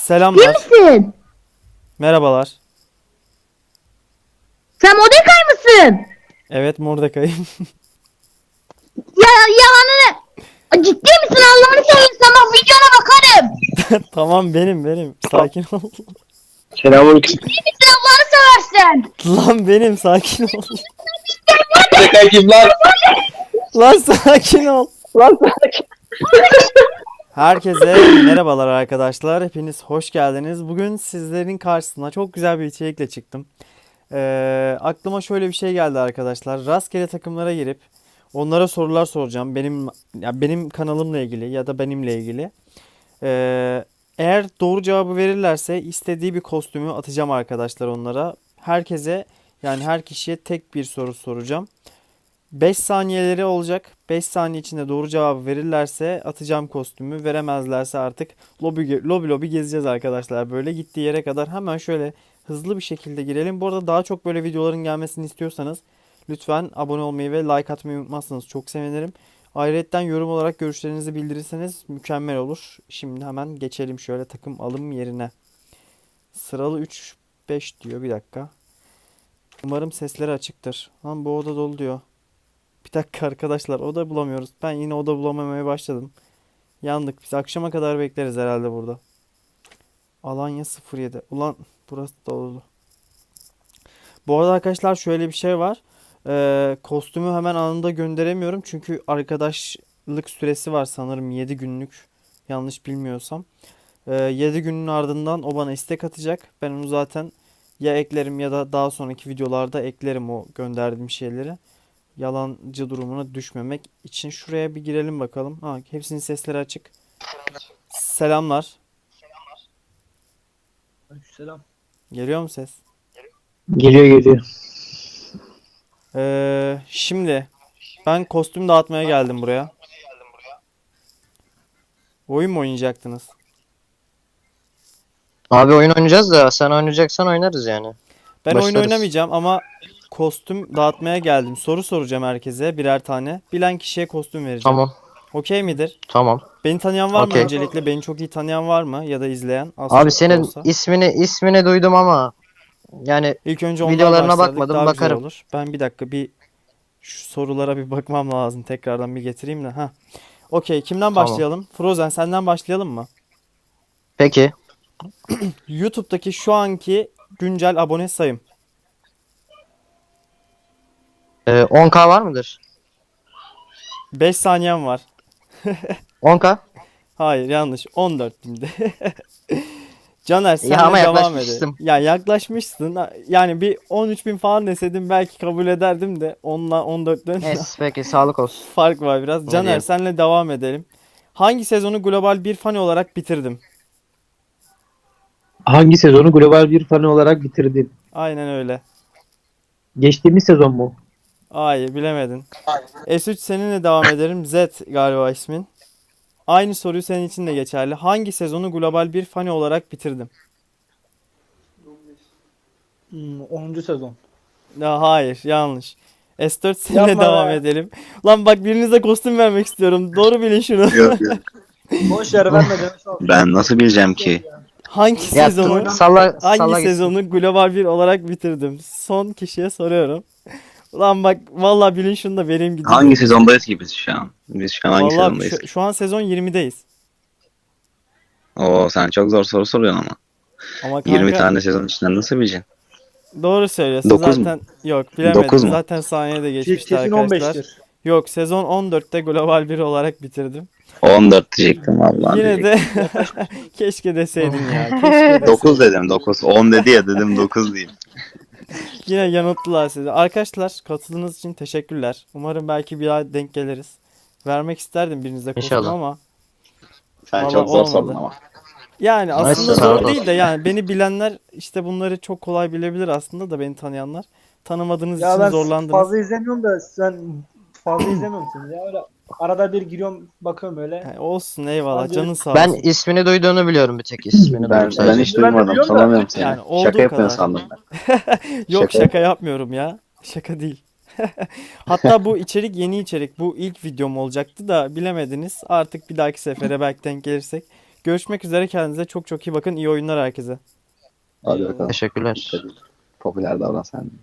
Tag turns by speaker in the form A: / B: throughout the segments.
A: İyi
B: Selamlar.
A: misin?
B: Merhabalar.
A: Sen Mordecai mısın?
B: Evet, Mordecai'yim.
A: Ya yalanını. Ciddi misin Allah'ını seversen bak videona bakarım.
B: Tamam, benim. Sakin ol.
C: Selamünaleyküm.
A: Ciddi misin Allah'ını seversen?
B: Lan benim, sakin ol.
C: Tekrar kim lan?
B: Lan sakin ol.
C: Lan
B: Herkese merhabalar arkadaşlar. Hepiniz hoş geldiniz. Bugün sizlerin karşısına çok güzel bir içerikle çıktım. Aklıma şöyle bir şey geldi arkadaşlar. Rastgele takımlara girip onlara sorular soracağım. Benim kanalımla ilgili ya da benimle ilgili. Eğer doğru cevabı verirlerse istediği bir kostümü atacağım arkadaşlar onlara. Herkese, yani her kişiye tek bir soru soracağım. 5 saniyeleri olacak. 5 saniye içinde doğru cevabı verirlerse atacağım kostümü. Veremezlerse artık lobi gezeceğiz arkadaşlar. Böyle gittiği yere kadar hemen şöyle hızlı bir şekilde girelim. Bu arada daha çok böyle videoların gelmesini istiyorsanız lütfen abone olmayı ve like atmayı unutmazsanız çok sevinirim. Ayrıca yorum olarak görüşlerinizi bildirirseniz mükemmel olur. Şimdi hemen geçelim şöyle takım alım yerine. Sıralı 3-5 diyor, bir dakika. Umarım sesleri açıktır. Lan bu oda dolu diyor. Bir dakika arkadaşlar, oda bulamıyoruz. Ben yine oda bulamamaya başladım. Yandık. Biz akşama kadar bekleriz herhalde burada. Alanya 07. Ulan burası da dolu. Bu arada arkadaşlar şöyle bir şey var. Kostümü hemen anında gönderemiyorum. Çünkü arkadaşlık süresi var sanırım 7 günlük. Yanlış bilmiyorsam. 7 günün ardından o bana istek atacak. Ben onu zaten ya eklerim ya da daha sonraki videolarda eklerim o gönderdiğim şeyleri. Yalancı durumuna düşmemek için şuraya bir girelim bakalım. Ha, hepsinin sesleri açık. Selamlar.
C: Selam.
B: Geliyor mu ses?
C: Geliyor.
B: Şimdi ben kostüm dağıtmaya geldim buraya. Oyun mu oynayacaktınız?
D: Abi oyun oynayacağız da sen oynayacaksan oynarız yani.
B: Ben oyun
D: Başlarız.
B: oynamayacağım ama kostüm dağıtmaya geldim. Soru soracağım herkese birer tane. Bilen kişiye kostüm vereceğim.
D: Tamam.
B: Okey midir?
D: Tamam.
B: Beni tanıyan var mı
D: Okey.
B: öncelikle? Beni çok iyi tanıyan var mı? Ya da izleyen? Az
D: Abi
B: çok da
D: senin
B: olsa.
D: ismini duydum ama yani
B: İlk önce ondan
D: videolarına
B: başladık.
D: bakmadım,
B: Daha güzel
D: bakarım.
B: olur. Ben bir dakika şu sorulara bir bakmam lazım. Tekrardan bir getireyim de. Ha. Okey. Kimden
D: Tamam.
B: başlayalım? Frozen, senden başlayalım mı?
D: Peki.
B: YouTube'daki şu anki güncel abone sayım.
D: 10K var mıdır?
B: 5 saniyem var.
D: 10K?
B: Hayır, yanlış. 14 binde. Caner,
D: Ya
B: senle
D: ama
B: devam edelim.
D: yaklaşmıştım.
B: Ya yaklaşmışsın. Yani bir 13 bin falan deseydin belki kabul ederdim de 10'la 14'ten
D: Neyse peki, sağlık olsun.
B: fark var biraz.
D: Ne
B: Caner,
D: diyeyim?
B: senle devam edelim. Hangi sezonu global bir fan olarak bitirdim?
E: Hangi sezonu global bir fanı olarak bitirdin?
B: Aynen öyle.
E: Geçtiğimiz sezon mu?
B: Hayır, bilemedin. S3, seninle devam ederim. Z galiba ismin. Aynı soruyu senin için de geçerli. Hangi sezonu global bir fani olarak bitirdim?
F: 10. sezon.
B: Ya hayır, yanlış. S4, seninle
F: Yapma
B: devam
F: be.
B: edelim. Lan bak, birinize kostüm vermek istiyorum. Doğru bilin şunu.
C: Yok yok.
F: Boş yer verme demiş olsun.
C: Ben nasıl bileceğim ki?
B: Hangi
D: Ya
B: sezonu
D: salla
B: hangi
D: salla gitsin.
B: sezonu global bir olarak bitirdim? Son kişiye soruyorum. Ulan bak, vallahi bilin şunu da vereyim gideyim.
C: Hangi sezondayız ki biz şu an? Biz şu an hangi
B: Vallahi
C: sezondayız?
B: şu an sezon 20'deyiz.
C: Oo, sen çok zor soru soruyorsun ama.
B: Ama
C: 20
B: kanka,
C: tane sezon içinden nasıl bileceksin?
B: doğru söylüyorsun.
C: 9 mu?
B: Zaten yok, bilemedim.
C: 9 mu?
B: Zaten saniyede geçmişti
F: Kesin
B: arkadaşlar.
F: 15'tir.
B: Yok, sezon 14'te global bir olarak bitirdim.
C: 14 diyecektim vallahi.
B: Yine
C: diyecektim.
B: de keşke deseydin ya. Keşke deseydin.
C: 9 dedim 9. 10 dedi ya, dedim 9 diyeyim.
B: Yine yanılttılar sizi. Arkadaşlar, katıldığınız için teşekkürler. Umarım belki bir daha denk geliriz. Vermek isterdim birinize kostüm
D: İnşallah.
B: ama
C: Sen
B: Vallahi
C: çok zor
B: olmadı.
C: sordun ama.
B: yani aslında
D: Neyse,
B: zor
D: sağ ol.
B: değil de, yani beni bilenler işte bunları çok kolay bilebilir aslında da, beni tanıyanlar. Tanımadığınız
F: Ya
B: için
F: ben
B: zorlandınız.
F: fazla izlemiyorum da sen fazla izlemiyorsun ya, öyle arada bir giriyorum bakıyorum öyle.
B: Yani olsun, eyvallah,
F: Bence-
B: canın sağ
D: Ben
B: olsun.
D: ismini duyduğunu biliyorum, bir tek ismini
C: Ben,
D: duydum sadece.
C: ben hiç
F: Ben de
C: duymadım.
F: biliyorum da.
C: Tanımıyorum seni.
B: Yani olduğu
C: Şaka yapıyorsun
B: kadar.
C: sandım ben.
B: Yok,
C: Şaka.
B: şaka yapmıyorum ya. Şaka değil. Hatta bu içerik yeni içerik. Bu ilk videom olacaktı da bilemediniz. Artık bir dahaki sefere belki denk gelirsek Görüşmek üzere, kendinize çok çok iyi bakın. İyi oyunlar herkese.
C: Hadi bakalım.
D: Teşekkürler.
C: Popüler davran sen de.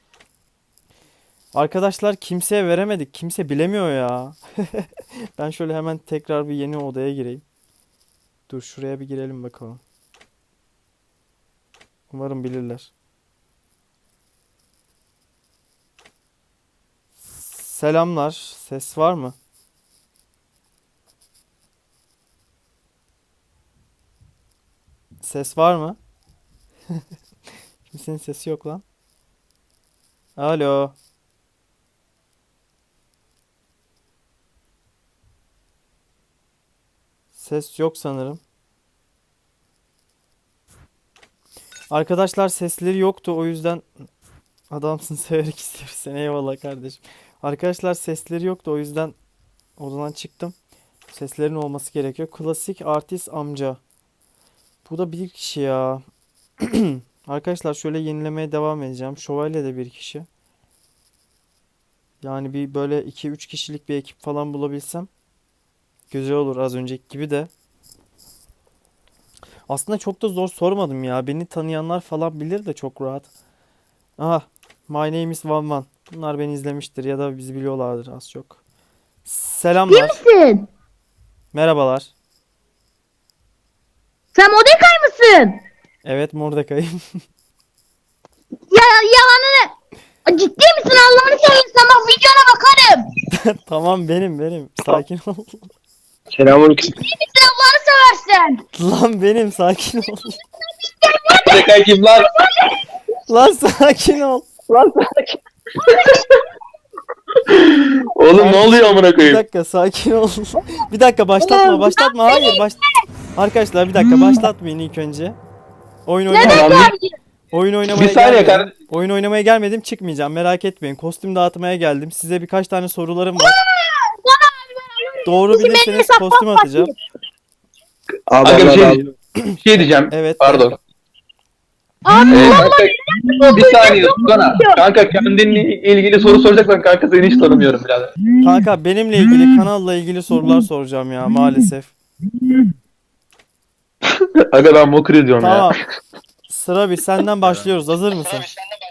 B: Arkadaşlar kimseye veremedik. Kimse bilemiyor ya. Ben şöyle hemen tekrar bir yeni odaya gireyim. Dur şuraya bir girelim bakalım. Umarım bilirler. Selamlar. Ses var mı? Ses var mı? Kimsenin sesi yok lan. Alo. Ses yok sanırım. Arkadaşlar sesleri yoktu, o yüzden adamsın, severek istiyoruz seni, eyvallah kardeşim. Arkadaşlar sesleri yoktu, o yüzden odadan çıktım. Seslerin olması gerekiyor. Klasik artist amca. Bu da bir kişi ya. Arkadaşlar şöyle yenilemeye devam edeceğim. Şövalye de bir kişi. Yani bir böyle 2-3 kişilik bir ekip falan bulabilsem güzel olur, az önceki gibi de. Aslında çok da zor sormadım ya. Beni tanıyanlar falan bilir de çok rahat. Aha. My name is Van Van. Bunlar beni izlemiştir ya da bizi biliyorlardır az çok. Selamlar.
A: Kimsin?
B: Merhabalar.
A: Sen Mordecai mısın?
B: Evet, Mordecai'yim.
A: Ya yalanını. Ciddi misin Allah'ını seversen bak videona bakarım.
B: Tamam, benim. Sakin ol.
E: Selamünaleyküm.
A: Ciddi misin Allah'ını seversen?
B: Lan benim, sakin ol.
E: Mordecai kim lan?
B: Lan sakin ol.
E: Oğlum ne oluyor amına
B: Bir
E: koyayım?
B: dakika, sakin ol. Bir dakika, başlatma. Hayır, Arkadaşlar bir dakika, başlatmayın ilk önce. Oyun oynamaya
E: Bir saniye
B: gelmedim.
E: kardeşim.
B: Oyun oynamaya gelmedim, çıkmayacağım. Merak etmeyin. Kostüm dağıtmaya geldim. Size birkaç tane sorularım var. Doğru bilirseniz kostüm atacağım.
E: Aga bir şey diyeceğim.
B: Evet.
E: Pardon. Kanka, bir saniye tutsana. Kanka kendinle ilgili soru soracaksan kanka seni hiç tanımıyorum birader.
B: Kanka benimle ilgili, kanalla ilgili sorular soracağım ya maalesef.
E: Aga ben mokur ediyorum
B: Tamam.
E: ya.
B: Sıra bir, senden başlıyoruz. Hazır mısın?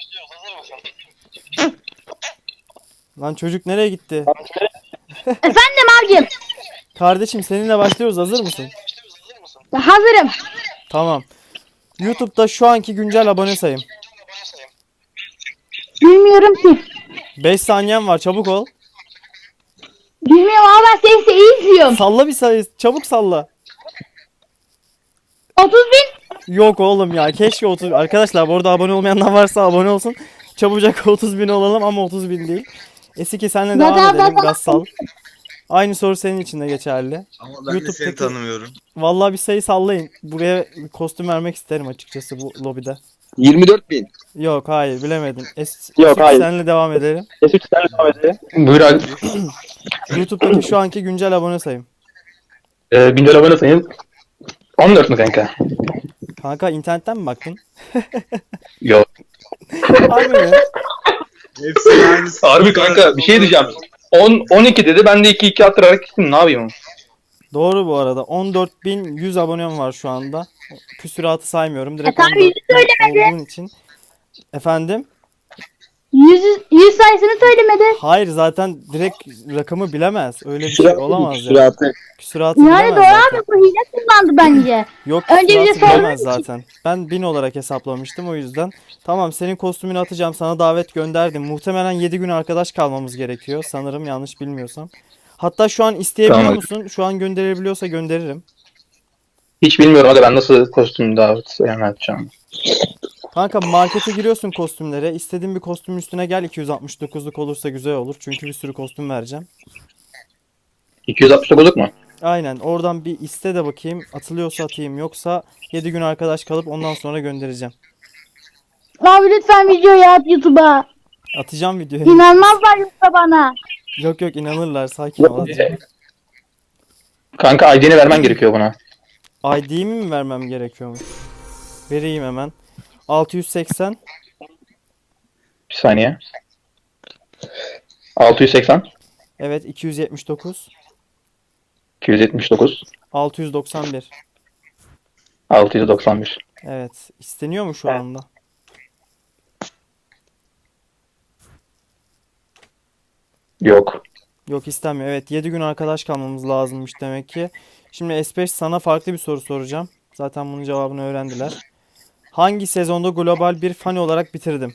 B: Lan çocuk nereye gitti?
A: Efendim abicim.
B: Kardeşim seninle başlıyoruz. Hazır mısın?
A: Hazırım.
B: Tamam. YouTube'da şu anki güncel abone sayım.
A: Bilmiyorum ki.
B: 5 saniyen var, çabuk ol.
A: Bilmiyorum ama ben seni iyi izliyorum.
B: Salla bir sayı, çabuk salla.
A: 30 bin.
B: Yok oğlum ya, keşke 30. Arkadaşlar bu arada abone olmayanlar varsa abone olsun. Çabucak 30 bin olalım ama 30 bin değil. Esiki senle devam
A: Zaten
B: edelim,
A: ben-
B: Gassal. Aynı soru senin için de geçerli.
C: Ama ben de
B: YouTube'daki-
C: seni tanımıyorum.
B: Vallahi bir sayı sallayın. Buraya bir kostüm vermek isterim açıkçası bu lobide.
E: 24.000.
B: Yok, hayır, bilemedin.
E: Yok,
B: Esik
E: hayır.
B: senle devam edelim.
E: Buyur abi.
B: YouTube'daki şu anki güncel abone sayım.
E: Güncel abone sayın. 14 mu kanka?
B: Kanka internetten mi baktın?
E: Yok.
B: Harbi mi?
C: Hepsi aynısı.
E: Harbi kanka bir şey diyeceğim. 12 dedi ben de 2 attırarak gittim ne yapayım?
B: Doğru bu arada. 14.100 abonem var şu anda. Küsuratı saymıyorum. Direkt
A: Tabii,
B: 14.000 olduğun için. Efendim?
A: 100 sayısını söylemedi.
B: Hayır, zaten direkt rakamı bilemez. Öyle bir şey olamaz ya.
C: Süratı.
B: Küsuratı
A: Yani
B: bilemez
A: doğru
B: zaten.
A: abi bu hile kullandı bence.
B: Yok,
A: Önce bize
B: küsuratı bilemez
A: sormadın ki.
B: zaten. Ben 1000 olarak hesaplamıştım o yüzden. Tamam, senin kostümünü atacağım. Sana davet gönderdim. Muhtemelen 7 gün arkadaş kalmamız gerekiyor. Sanırım, yanlış bilmiyorsam. Hatta şu an isteyebiliyor
E: Tamam.
B: musun? Şu an gönderebiliyorsa gönderirim.
E: Hiç bilmiyorum aga ben nasıl kostüm davet yapacağım.
B: Kanka markete giriyorsun kostümlere. İstediğin bir kostümün üstüne gel. 269'luk olursa güzel olur. Çünkü bir sürü kostüm vereceğim.
E: 269'luk mu?
B: Aynen. Oradan bir iste de bakayım. Atılıyorsa atayım. Yoksa 7 gün arkadaş kalıp ondan sonra göndereceğim.
A: Abi lütfen videoyu at YouTube'a.
B: Atacağım videoyu.
A: İnanmazlar yoksa bana.
B: Yok yok, inanırlar. Sakin ol. Atacağım.
E: Kanka ID'ni vermen gerekiyor buna.
B: ID'mi mi vermem gerekiyormuş? Vereyim hemen. 680.
E: Bir saniye. 680
B: Evet, 279.
E: 279
B: 691.
E: 691.
B: Evet. İsteniyor mu şu anda?
E: Yok.
B: Yok, istenmiyor. Evet, 7 gün arkadaş kalmamız lazımmış demek ki. Şimdi S5 sana farklı bir soru soracağım. Zaten bunun cevabını öğrendiler. Hangi sezonda global bir fani olarak bitirdim?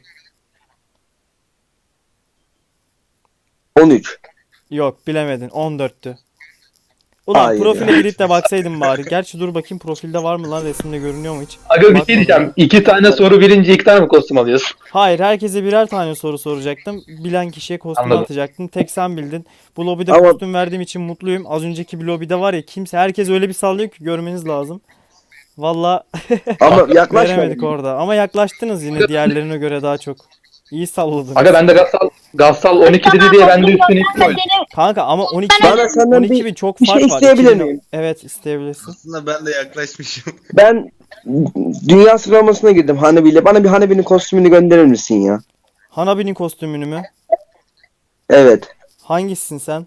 G: 13.
B: Yok, bilemedin. 14'tü. Ulan
G: Hayır
B: profile
G: ya.
B: girip de baksaydın bari. Gerçi dur bakayım profilde var mı lan, resimde görünüyor mu hiç?
E: Aga bir şey
B: Bakmadım.
E: diyeceğim. 2 tane soru bilince 2 tane mi kostüm alıyorsun?
B: Hayır, herkese birer tane soru soracaktım. Bilen kişiye kostüm
E: Anladım.
B: atacaktım. Tek sen bildin. Bu lobide
G: Ama-
B: kostüm verdiğim için mutluyum. Az önceki bir lobide var ya, herkes öyle bir sallıyor ki görmeniz lazım. Valla
G: Ama
B: veremedik
G: yaklaşmadım.
B: orada. Ama yaklaştınız yine diğerlerine göre daha çok. İyi salladınız.
E: Aga ben de Gassal 12 dedi diye ben de üstüne
A: Ben
E: koydum.
A: seni
B: Kanka ama 12
G: Bana senden
B: 12 bin çok
G: bir
B: fark
G: şey
B: var.
G: isteyebilir
B: 2000
G: miyim?
B: Evet, isteyebilirsin.
H: Aslında ben de yaklaşmışım.
G: Ben dünya sıralamasına girdim Hanabi ile. Bana bir Hanabi'nin kostümünü gönderir misin ya?
B: Hanabi'nin kostümünü mü?
G: Evet.
B: Hangisisin sen?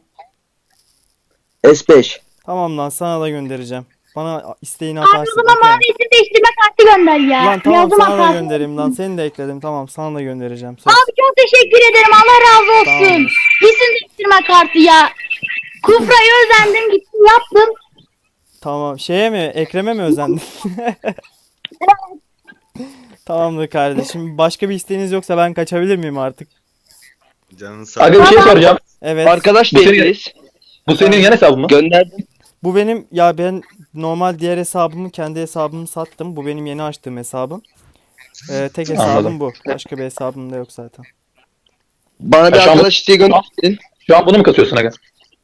G: S5.
B: Tamam lan, sana da göndereceğim. Bana isteğini
A: abi o
B: atarsın.
A: zaman
B: okey.
A: mavi isim değiştirme kartı gönder ya.
B: Lan tamam,
A: Yazdım
B: sana da
A: hatası.
B: göndereyim lan. Seni de ekledim. Tamam, sana da göndereceğim. Söz.
A: Abi çok teşekkür ederim. Allah razı olsun.
B: Tamamdır.
A: İsim değiştirme kartı ya. Kufra'yı özendim gittim yaptım.
B: Tamam. Şeye mi? Ekrem'e mi özendin? Tamamdır kardeşim. Başka bir isteğiniz yoksa ben kaçabilir miyim artık?
H: Canın sağ
E: Aga bir şey soracağım.
B: Evet.
G: Arkadaş
E: Bu senin-
G: değiliz.
E: Bu senin yan hesabın mı?
G: Gönderdim.
B: Bu benim, ya ben normal diğer hesabımı, kendi hesabımı sattım. Bu benim yeni açtığım hesabım. Tek hesabım
E: Anladım.
B: bu. Başka bir hesabım da yok zaten.
G: Bana bir
E: Ya şu an-
G: arkadaş isteği gönderdin.
E: Şu an bunu mu kasıyorsun aga?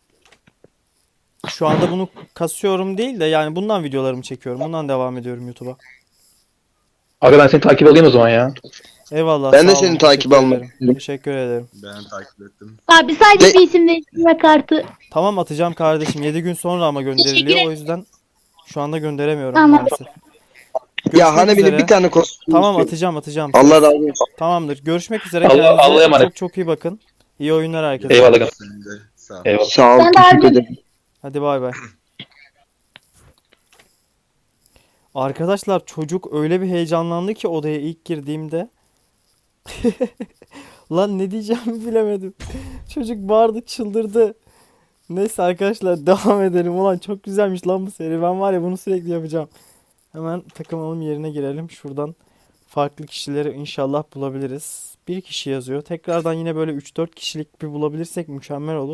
B: Şu anda bunu kasıyorum değil de yani bundan videolarımı çekiyorum. Bundan devam ediyorum YouTube'a.
E: Aga ben seni takip alayım o zaman ya.
B: Eyvallah.
G: Ben de
B: sağ olun,
G: seni takip
B: teşekkür
G: almak
B: ederim.
G: istedim.
B: Teşekkür ederim.
H: ben takip ettim.
A: Abi sadece
G: De-
A: bir isim değiştirme kartı.
B: Tamam, atacağım kardeşim. 7 gün sonra ama gönderiliyor.
A: Teşekkür
B: O yüzden şu anda gönderemiyorum
A: Tamam.
B: maalesef. Görüşmek
G: Ya Hanabi'nin
B: üzere.
G: bir tane kostüm
B: Tamam,
G: istiyorum.
B: atacağım.
G: Allah razı olsun.
B: Tamamdır. Görüşmek üzere.
E: Allah'a
B: Kendinize
E: emanet.
B: çok çok iyi bakın. İyi oyunlar herkese.
E: Eyvallah aga.
H: Senin de sağ ol.
E: Eyvallah.
G: Sağ ol.
A: Ben de
G: Teşekkür
A: abi-
G: ederim.
B: Hadi bay bay. Arkadaşlar çocuk öyle bir heyecanlandı ki odaya ilk girdiğimde. Lan ne diyeceğimi bilemedim. Çocuk bağırdı, çıldırdı. Neyse arkadaşlar, devam edelim. Ulan çok güzelmiş lan bu seri. Ben var ya, bunu sürekli yapacağım. Hemen takım alım yerine girelim. Şuradan farklı kişileri inşallah bulabiliriz. Bir kişi yazıyor. Tekrardan yine böyle 3-4 kişilik bir bulabilirsek mükemmel olur.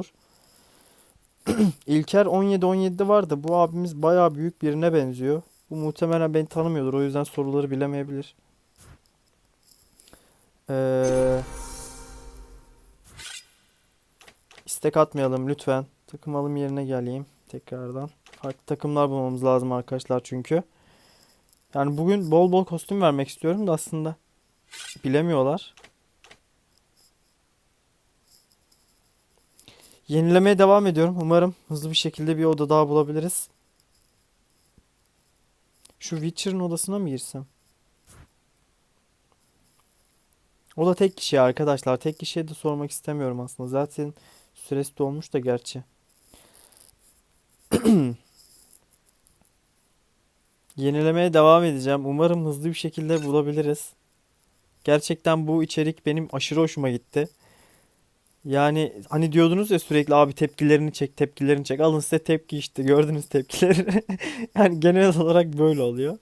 B: İlker 17-17'de vardı. Bu abimiz bayağı büyük birine benziyor. Bu muhtemelen beni tanımıyordur. O yüzden soruları bilemeyebilir. İstek atmayalım lütfen. Takım alım yerine geleyim tekrardan. Farklı takımlar bulmamız lazım arkadaşlar çünkü. Yani bugün bol bol kostüm vermek istiyorum da aslında bilemiyorlar. Yenilemeye devam ediyorum. Umarım hızlı bir şekilde bir oda daha bulabiliriz. Şu Witcher'ın odasına mı girsem? O da tek kişi arkadaşlar. Tek kişiye de sormak istemiyorum aslında. Zaten süresi dolmuş da gerçi. Yenilemeye devam edeceğim. Umarım hızlı bir şekilde bulabiliriz. Gerçekten bu içerik benim aşırı hoşuma gitti. Yani hani diyordunuz ya sürekli, abi tepkilerini çek, tepkilerini çek. Alın size tepki işte. Gördünüz tepkileri. Yani genel olarak böyle oluyor.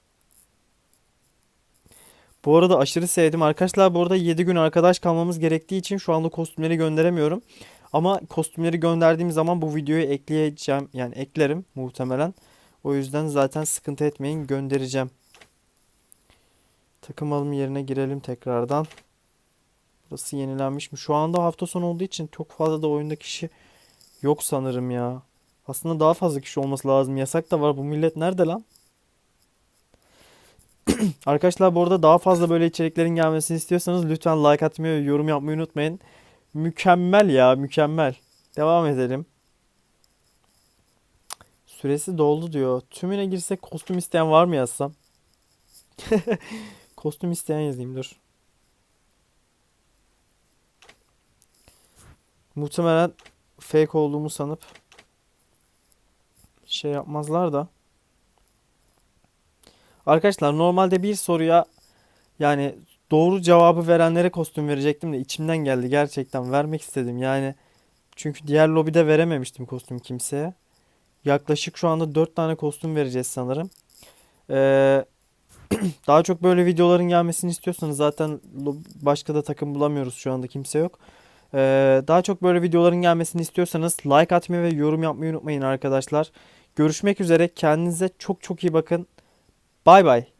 B: Bu arada aşırı sevdim. Arkadaşlar bu arada 7 gün arkadaş kalmamız gerektiği için şu anda kostümleri gönderemiyorum. Ama kostümleri gönderdiğim zaman bu videoyu ekleyeceğim. Yani eklerim muhtemelen. O yüzden zaten sıkıntı etmeyin, göndereceğim. Takım alım yerine girelim tekrardan. Burası yenilenmiş mi? Şu anda hafta sonu olduğu için çok fazla da oyunda kişi yok sanırım ya. Aslında daha fazla kişi olması lazım. Yasak da var. Bu millet nerede lan? Arkadaşlar bu arada daha fazla böyle içeriklerin gelmesini istiyorsanız lütfen like atmayı ve yorum yapmayı unutmayın. Mükemmel ya, mükemmel. Devam edelim. Süresi doldu diyor. Tümüne girsek kostüm isteyen var mı yazsam? Kostüm isteyen yazayım dur. Muhtemelen fake olduğumu sanıp şey yapmazlar da. Arkadaşlar normalde bir soruya yani doğru cevabı verenlere kostüm verecektim de içimden geldi, gerçekten vermek istedim. Yani çünkü diğer lobide verememiştim kostüm kimseye. Yaklaşık şu anda 4 tane kostüm vereceğiz sanırım. Ee, Daha çok böyle videoların gelmesini istiyorsanız zaten başka da takım bulamıyoruz, şu anda kimse yok. Daha çok böyle videoların gelmesini istiyorsanız like atmayı ve yorum yapmayı unutmayın arkadaşlar. Görüşmek üzere. Kendinize çok çok iyi bakın. Bay bay.